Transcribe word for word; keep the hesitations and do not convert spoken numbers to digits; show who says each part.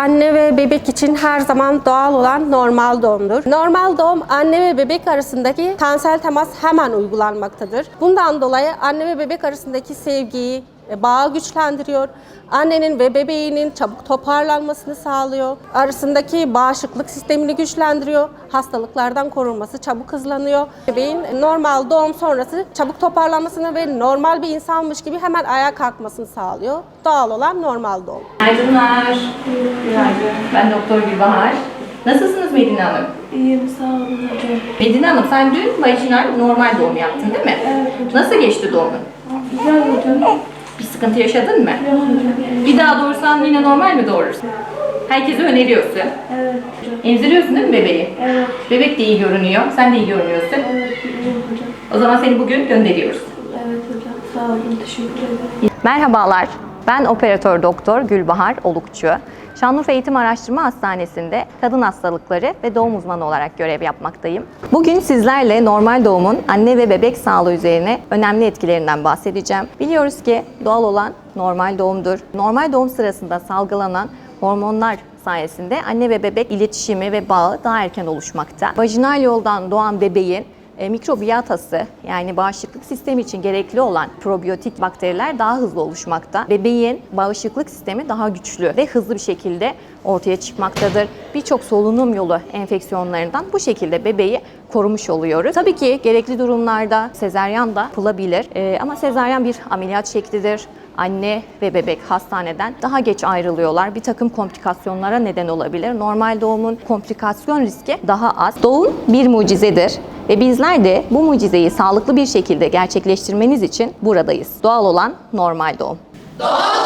Speaker 1: anne ve bebek için her zaman doğal olan normal doğumdur. Normal doğum anne ve bebek arasındaki tensel temas hemen uygulanmaktadır. Bundan dolayı anne ve bebek arasındaki sevgiyi, bağı güçlendiriyor. Annenin ve bebeğinin çabuk toparlanmasını sağlıyor. Arasındaki bağışıklık sistemini güçlendiriyor. Hastalıklardan korunması çabuk hızlanıyor. Bebeğin normal doğum sonrası çabuk toparlanmasını ve normal bir insanmış gibi hemen ayağa kalkmasını sağlıyor. Doğal olan normal doğum.
Speaker 2: Günaydınlar. Günaydın. Ben Doktor Gülbahar. Nasılsınız Medine Hanım?
Speaker 3: İyiyim, sağ olun hocam.
Speaker 2: Medine Hanım, sen dün vajinal normal doğum yaptın değil mi?
Speaker 3: Evet hocam.
Speaker 2: Nasıl geçti doğumun?
Speaker 3: Güzel hocam.
Speaker 2: Bir sıkıntı yaşadın mı?
Speaker 3: Yok hocam.
Speaker 2: Bir daha doğursan yine normal mi doğurursun? Herkese öneriyorsun.
Speaker 3: Evet hocam.
Speaker 2: Emziriyorsun değil mi bebeği?
Speaker 3: Evet.
Speaker 2: Bebek de iyi görünüyor. Sen de iyi görünüyorsun.
Speaker 3: Evet, iyiyim hocam.
Speaker 2: O zaman seni bugün gönderiyoruz.
Speaker 3: Evet hocam, sağ olun, teşekkür ederim.
Speaker 4: Merhabalar, ben operatör doktor Gülbahar Olukçu. Şanlıurfa Eğitim Araştırma Hastanesi'nde kadın hastalıkları ve doğum uzmanı olarak görev yapmaktayım. Bugün sizlerle normal doğumun anne ve bebek sağlığı üzerine önemli etkilerinden bahsedeceğim. Biliyoruz ki doğal olan normal doğumdur. Normal doğum sırasında salgılanan hormonlar sayesinde anne ve bebek iletişimi ve bağı daha erken oluşmakta. Vajinal yoldan doğan bebeğin E, mikrobiyatası, yani bağışıklık sistemi için gerekli olan probiyotik bakteriler daha hızlı oluşmakta. Bebeğin bağışıklık sistemi daha güçlü ve hızlı bir şekilde ortaya çıkmaktadır. Birçok solunum yolu enfeksiyonlarından bu şekilde bebeği korumuş oluyoruz. Tabii ki gerekli durumlarda sezaryen da yapılabilir e, ama sezaryen bir ameliyat şeklidir. Anne ve bebek hastaneden daha geç ayrılıyorlar. Bir takım komplikasyonlara neden olabilir. Normal doğumun komplikasyon riski daha az. Doğum bir mucizedir ve bizler de bu mucizeyi sağlıklı bir şekilde gerçekleştirmeniz için buradayız. Doğal olan normal doğum. Doğal